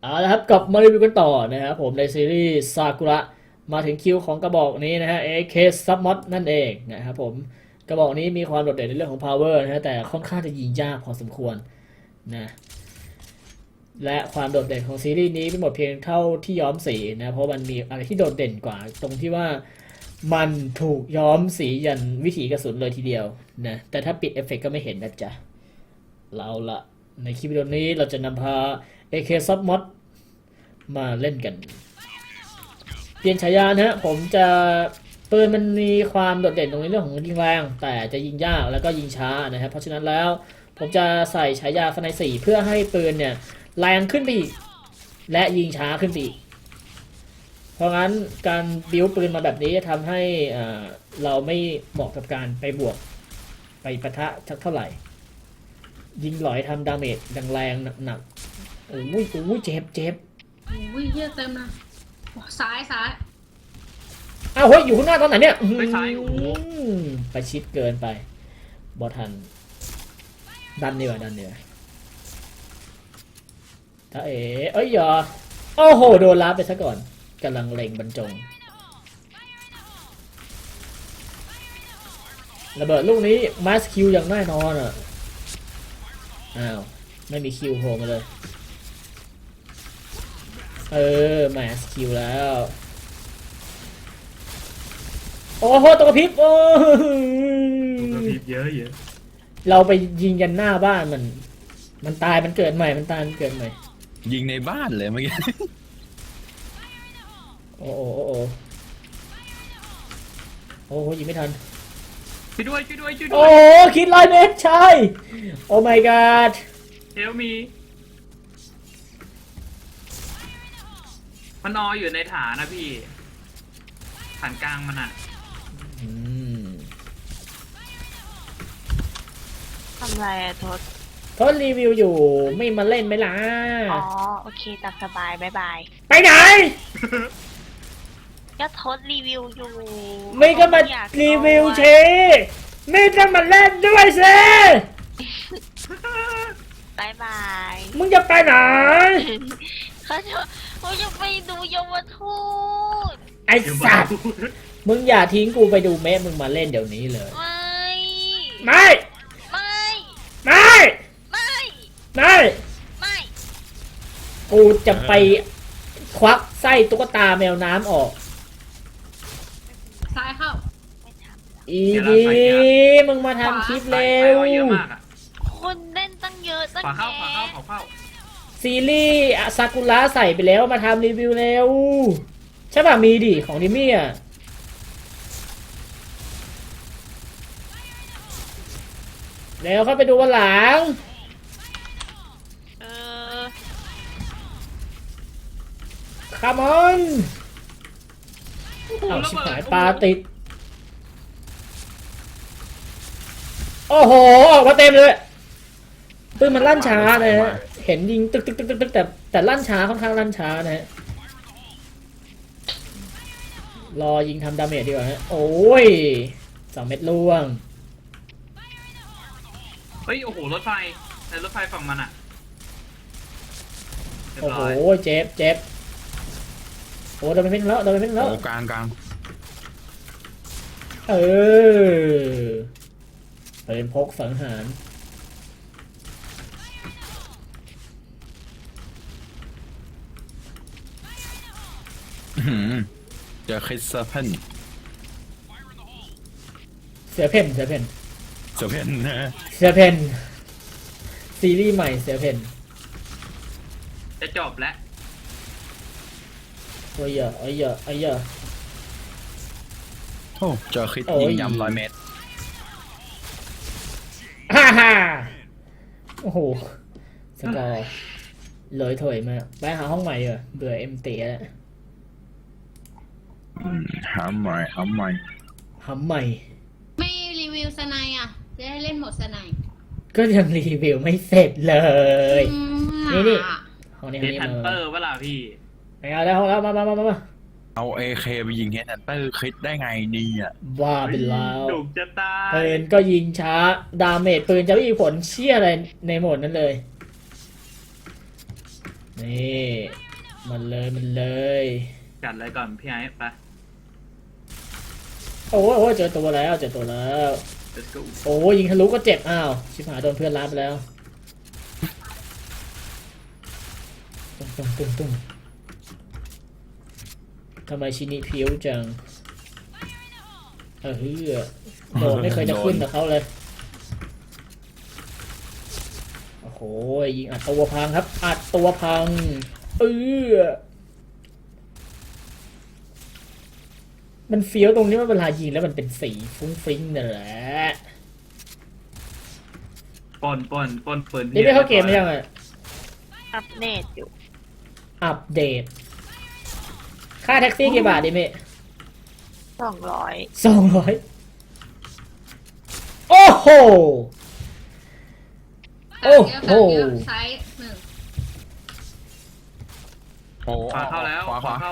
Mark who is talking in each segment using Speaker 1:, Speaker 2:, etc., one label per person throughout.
Speaker 1: เอาละครับกลับมารีวิวกันต่อนะครับผมในซีรีส์ซากุระมาถึงคิวของกระบอกนี้นะฮะ AK Submod นั่นเองนะครับผมกระบอกนี้มีความโดดเด่นในเรื่องของ power นะฮะแต่ค่อนข้างจะยิงยากพอสมควรนะและความโดดเด่นของซีรีส์นี้ไม่หมดเพียงเท่าที่ย้อมสีนะเพราะมันมีอะไรที่โดดเด่นกว่าตรงที่ว่ามันถูกย้อมสียันวิถีกระสุนเลยทีเดียวนะแต่ถ้าปิดเอฟเฟกต์ก็ไม่เห็นนะจ๊ะเราละในคลิปวิดีโอนี้เราจะนำพา AK Submod มาเล่นกัน เปลี่ยนฉายานะฮะผมจะปืนมันมีความโดดเด่นตรงในเรื่องของยิงแรงแต่จะยิงยากแล้วก็ยิงช้านะครับเพราะฉะนั้นแล้วผมจะใส่ฉายาสไน4เพื่อให้ปืนเนี่ยแรงขึ้นไปอีกและยิงช้าขึ้นไปอีกเพราะงั้นการบิวปืนมาแบบนี้จะทำให้เราไม่เหมาะกับการไปบวกไปปะทะสักเท่าไหร่ ยิงหลอยทำดาเมจแรงๆหนักๆโอ้ยโอ้ยเจ็บ
Speaker 2: อุ้ยเหี้ยเต็มนะซ้าย
Speaker 1: อ้าวเฮ้ยอยู่ข้างหน้าตอนไหนเนี่ย
Speaker 3: ไปซ้ายโอ้โห
Speaker 1: ไปชิดเกินไปบอทันดันดีกว่าถ้าเอ้ยอย่าโอ้โหโดนล้าไปซะก่อนกำลังเล็งบรรจงระเบิดลูกนี้มาสคิวอย่างแน่นอนอ่ะอ้าวไม่มีคิวโผล่มาเลยมาสคิวแล้วโอ้โหตัวกระพริบโอ้
Speaker 3: กระพริบเยอะ
Speaker 1: เราไปยิงกันหน้าบ้านมันตายมันเกิดใหม่มันตายมันเกิดใหม่
Speaker 4: ยิงในบ้านเลยเมื่อกี้
Speaker 1: โอ้โอ้ยิงไม่ทัน
Speaker 3: ช่วยด้วย
Speaker 1: โอ้คิด100 เมตรใช่โอ้ my god
Speaker 3: เฮลมีมันนอนอยู่ในฐานนะพี่ฐานกลางมันอ่ะ
Speaker 1: อืม
Speaker 5: ทำไรอะทศ
Speaker 1: ทดรีวิวอยู่ไม่มาเล่นไหมล่ะ
Speaker 5: อ๋อ โอเคตามสบายบายบาย
Speaker 1: ไปไหน
Speaker 5: ก็ทศรีวิวอยู่
Speaker 1: ไม่ก็มา
Speaker 5: อย
Speaker 1: รีวิวเช
Speaker 5: นอน
Speaker 1: ไม่ต้องมาเล่นด้วยสิ
Speaker 5: บายบาย
Speaker 1: มึงจะไปไหน
Speaker 5: เขาจะไปดูเยาวทูต
Speaker 1: ไอ้สัตว์มึงอย่าทิ้งกูไปดูเมะมึงมาเล่นเดี๋ยวนี้เลย
Speaker 5: ไม่
Speaker 1: ไม่
Speaker 5: ไม่
Speaker 1: ไม่
Speaker 5: ไม่
Speaker 1: ไม่
Speaker 5: ไม่
Speaker 1: กูจะไปควักไส้ตุ๊กตาแมวน้ำออก
Speaker 2: ซ้ายเข้า
Speaker 5: ไม่ทำ
Speaker 1: อีดีมึงมาทำคลิปเร็
Speaker 3: ไป
Speaker 1: ว
Speaker 3: เยอะมากอ่ะ
Speaker 5: คนเล่นตั้งเยอะตั้ง
Speaker 3: ขวาเข้า
Speaker 5: แยะ
Speaker 1: ซีรีส์ซากุระใส่ไปแล้วมาทำรีวิวเร็ว ใช่ป่ะมีดิของดิมี่อ่ะเร็วเข้าไปดูวันหลัง
Speaker 5: เออ
Speaker 1: คัมออนเอาชิบหายปลาติด โอ้โหออกมาเต็มเลยปืนมันลั่นช้านะฮะเห็นยิงตึกแต่ลั่นช้าค่อนข้างลั่นช้านะฮะรอยิงทำดาเมจดีกว่าฮะโอ้ย2 เม็ดล่วง
Speaker 3: เฮ้ยโอ้โหรถไฟในรถไฟฝั่งมันอ่ะเรียบ
Speaker 1: โอ้โห
Speaker 3: ร้อย
Speaker 1: เจ็บโอ้โดนไปเพ่งแล้ว
Speaker 4: โอ้กลาง
Speaker 1: เออเป็นพกสังหาร
Speaker 4: อื้อหือเจอคริสเพ่น
Speaker 1: เสือเพ่น
Speaker 4: เซเพ่นนะ
Speaker 1: ซีรีส์ใหม่เสือเพ่น
Speaker 3: จะจบแล้ว
Speaker 1: โอ้ยเยอะ
Speaker 4: โอ้เจอคริส
Speaker 1: โอ้ย
Speaker 4: ยิงยำ100 เมตร
Speaker 1: ฮ่าโอ้โหสกอร์เลยถอยมากไปหาห้องใหม่เบื่อเอ็มตีแล้ว
Speaker 4: หาใหม่
Speaker 1: หำใหม่
Speaker 2: ไม่รีวิวสไนอ่ะ จะได้เล่นโหมดสไน
Speaker 1: ก็ยังรีวิวไม่เสร็จเลย
Speaker 2: อืม
Speaker 1: นี่ ห้องนี้
Speaker 3: เดนทันเตอร์เวลาพี่
Speaker 1: ไปเอาแล้วห้องแล้วมา
Speaker 4: เอาเอเคไปยิงเฮดฮันเตอร์คริสได้ไงดีอ่ะ
Speaker 1: ว่าไปแล้ว
Speaker 3: ดุจะตาย
Speaker 1: ปืนก็ยิงช้า ดาเมจปืนจะไม่มีผลเชี่ยอะไรในโหมดนั้นเลยนี่มันเลยมันเลย
Speaker 3: จัดเลยก่อนพี่ไอ้ไป
Speaker 1: โอ้ยเจอตัวแล้ว
Speaker 3: let's go
Speaker 1: โอ้ยยิงทะลุก็เจ็บอ้าวชิบหายโดนเพื่อนรับไปแล้วตุ้มทำไมชินิผิวจังเฮ้ยโดนไม่เคยจะขึ้นกับเขาเลยโอ้โหยิงอัดตัวพังครับอัดตัวพังมันเฟี้ยวตรงนี้ว่าเวลายิงแล้วมันเป็นสีฟุ้งฟิ้งนั่นแหละ
Speaker 3: ปนปืน
Speaker 1: นี่ไม่เข้าเกมหรือยังอ่ะ
Speaker 5: อัปเดตอยู่
Speaker 1: อัปเดต ค่าแท็กซี่กี่บาทดิเม
Speaker 5: 200
Speaker 1: 200โอ้โห โอ้โห
Speaker 2: ไซส์หนึ่ง
Speaker 4: โอ้
Speaker 3: ขวาเข้าแล้ว
Speaker 4: ขวา
Speaker 3: เข้า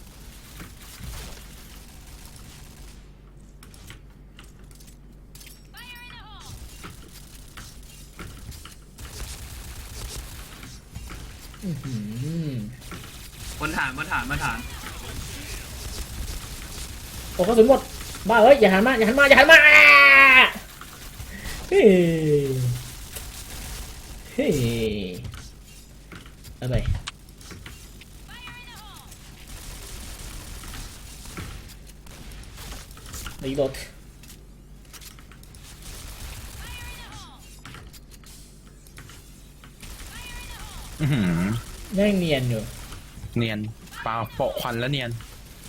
Speaker 1: อื้อหือบ
Speaker 3: นฐาน
Speaker 1: โอ้กระสุนหมด บ้าเอ้ยอย่าหันมาอ่าเฮ้ยเฮ้ยเอาไปรีโหลด
Speaker 4: อื้อหือ
Speaker 1: ยังเนียนอยู่
Speaker 4: เนียนเปล่าโปะควันแล้วเนียน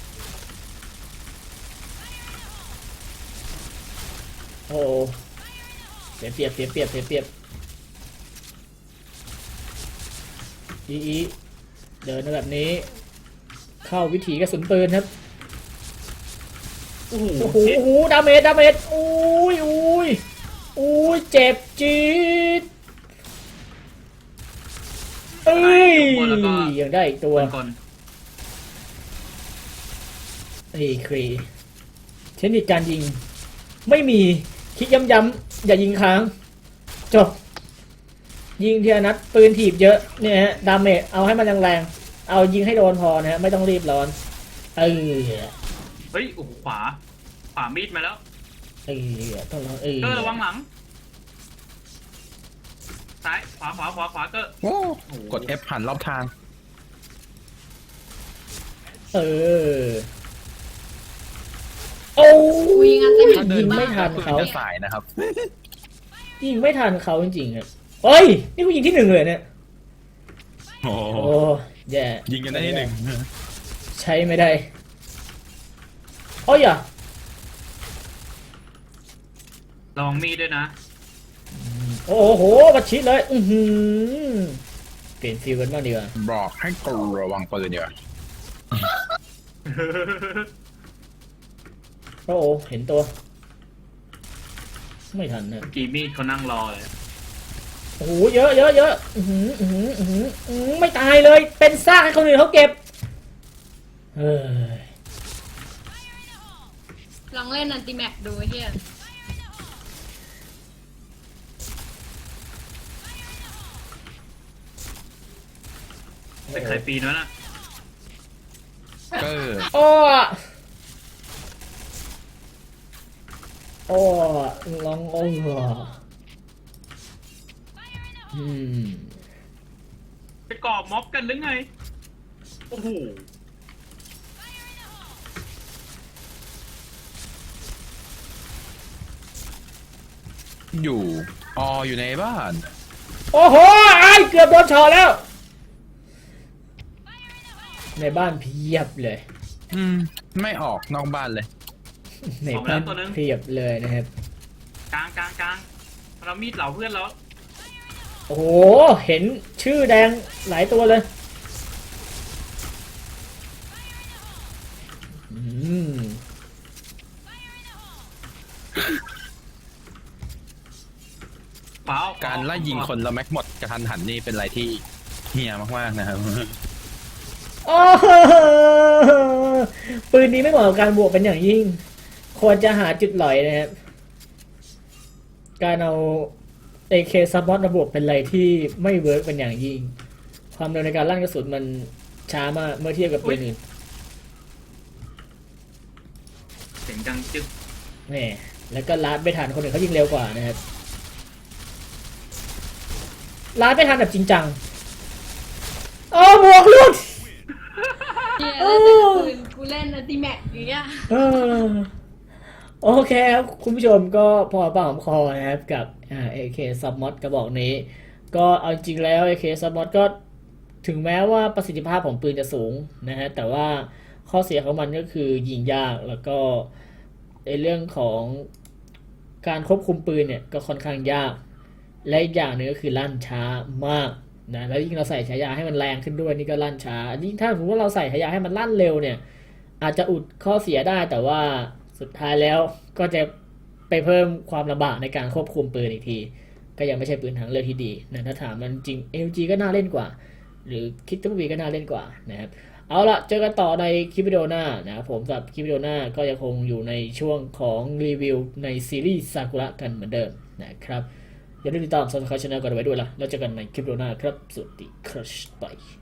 Speaker 1: โอ้เสียเปรียบอีเดินมาแบบนี้ เข้าวิถีกระสุนปืนครับ
Speaker 3: โอ้โห
Speaker 1: โอ้โหดาเมจอุ้ยเจ็บจี๊ดยังได้อีกตัว
Speaker 3: ก่อน
Speaker 1: ครีเทคนิคการยิง ไม่มีคลิกย้ำๆอย่ายิงค้าง จบ ยิงทีละนัดปืนถีบเยอะเนี่ยฮะดาเมจเอาให้มันแรงๆเอายิงให้โดนพอนะฮะไม่ต้องรีบร้อน
Speaker 3: เฮ้ยโอ้โหขวามีดมาแล้ว
Speaker 1: ต้องร้อน
Speaker 3: เกอร์ระวังหลังซ้ายขวาเกอร์
Speaker 4: โอ้กด F ผ่านรอบทาง
Speaker 1: โอ้ย
Speaker 2: ยิงอันเต็ม
Speaker 4: ถ้าเดิ
Speaker 1: ยิ
Speaker 4: น
Speaker 1: งไม่ทันเขา
Speaker 4: จะสายนะครับ
Speaker 1: ยิงไม่ทันเขาจริงๆอ่ะเฮ้ยนี่กูยิงที่หนึ่งเลยเนี่ย
Speaker 4: โอ้
Speaker 1: โอ้แย่
Speaker 4: ยิงกันได้ที่หนึ่ง
Speaker 1: ใช้ไม่ได้โอ้ยอ่ะ
Speaker 3: ระวังมีดด้วยนะ
Speaker 1: โอ้โหประชิดเลยเปลี่ยนฟิลกันบ้างดีกว่า
Speaker 4: บอกให้กลัวระวังปืนเดี๋ยวา
Speaker 1: โอ้โหเห็นตัว ไม่ทันนะ
Speaker 3: กี่มีดเขานั่งรอเลย
Speaker 1: โอ้โหเยอะไม่ตายเลยเป็นซากให้คนอื่นเขาเก็บเฮ้ย
Speaker 2: ลองเล่นอันติแม็กดูเฮีย
Speaker 3: เป็นใครปีนวะน่ะ
Speaker 4: เกอร์
Speaker 1: โอ้ลอง
Speaker 3: ไปก่อม็อบกันหรือไงโอ้โห
Speaker 4: อยู่ในบ้าน
Speaker 1: โอ้โหเกือบโดนช็อตแล้ว ในบ้านเพียบเลย
Speaker 4: ไม่ออกนอกบ้านเลย
Speaker 1: ในบ้านเพียบเลยนะครับ
Speaker 3: กลางเรามีดเหล่าเพื่อนแล้ว
Speaker 1: โอ้โหเห็นชื่อแดงหลายตัวเลย
Speaker 4: การไล่ยิงคนแล้วแม็กหมดกระทันหันนี่เป็นอะไรที่เฮี้ยมากๆนะครับ
Speaker 1: โอ้ปืนนี้ไม่เหมาะกับการบวกเป็นอย่างยิ่ง ควรจะหาจุดหลอยนะครับ การเอา AK ซับบอสมาบวกเป็นอะไรที่ไม่เวิร์กเป็นอย่างยิ่งความเร็วในการลั่นกระสุนมันช้ามากเมื่อเทียบกับปืนอื่น
Speaker 3: เสียงดังจึ๊ก
Speaker 1: แหมแล้วก็ลัดไม่ทันคนอื่นเขายิงเร็วกว่านะครับลัดไม่ทันแบบจริงจังโอ้บวกลุด
Speaker 2: เฮียแล้วแต่ละปืนกูเล่นอัลติแม็กอย่างเงี้ย
Speaker 1: เออโอเคครับคุณผู้ชมก็พอปากหอมคอนะครับกับAK Submod กระบอกนี้ ก็เอาจริงแล้ว AK Submod ก็ถึงแม้ว่าประสิทธิภาพของปืนจะสูงนะฮะแต่ว่าข้อเสียของมันก็คือยิงยากแล้วก็ในเรื่องของการควบคุมปืนเนี่ยก็ค่อนข้างยาก และอีกอย่างหนึ่งก็คือลั่นช้ามากนะแล้วยิ่งเราใส่ฉายาให้มันแรงขึ้นด้วยนี่ก็ลั่นช้ายิ่งถ้าสมมติว่าเราใส่ฉายาให้มันลั่นเร็วเนี่ยอาจจะอุดข้อเสียได้แต่ว่าสุดท้ายแล้วก็จะไปเพิ่มความลำบากในการควบคุมปืนอีกที ก็ยังไม่ใช่ปืนทางเลือกที่ดีนะถ้าถามมันจริง LG ก็น่าเล่นกว่า หรือคิดตัวบีก็น่าเล่นกว่านะครับเอาละเจอกันต่อในคลิปวิดีโอหน้านะครับผมกับคลิปวิดีโอหน้าก็ยังคงอยู่ในช่วงของรีวิวในซีรีส์ซากุระกันเหมือนเดิมนะครับอย่าลืมติดตาม Subscribe Channel กันไว้ด้วยล่ะแล้วเจอกันในคลิปวิดีโอหน้าครับสวัสดีครับบาย